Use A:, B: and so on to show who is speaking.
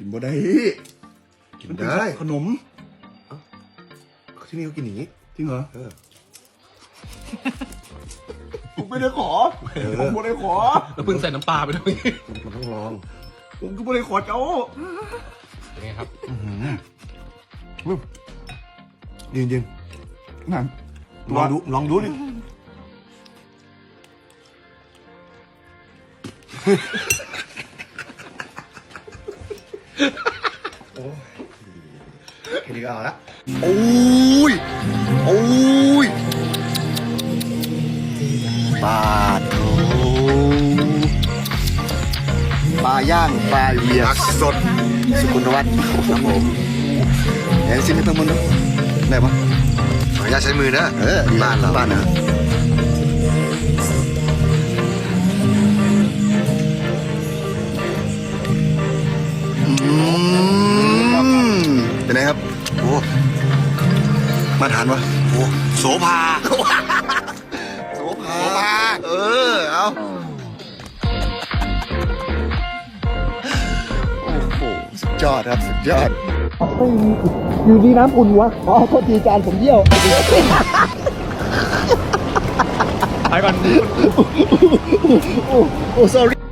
A: กินบ่ได้
B: กินได้
A: ขนม
B: ที่นี่เขากินอย่างนี้
A: จริงเหรอ
B: เออ
A: ผมไม่ได้ขอผมไม่ได้ขอ
C: แล้วเพิ่งใส่น้ำปลาไปด้วย
B: มันต้องลอง
A: ผมก็ไม่ได้ขอเจ้า
C: เป็นไงครับ
B: จริง
A: นั่น
B: ๆลองดูดิ โอ้ยแค่นี้ก็เอาละโอ้ยปลาทูปลาย่างปลาเหยียกสดสุกุลวัฒน์ครับผมเห็นซิมให้เพิ่มมันดูได้ปะขออนุญาตใช้มือนะบ้านเราบ้านนะเป็นไงครับโอ้มาทานวะโอ้โสภาเอาโอ้โหสุดยอดครับสุดยอด
A: อยู่ดีน้ำอุ่นวะอ๋อโทษทีจานผมเยี่ยว
C: ไปก่อน
A: โอ้ sorry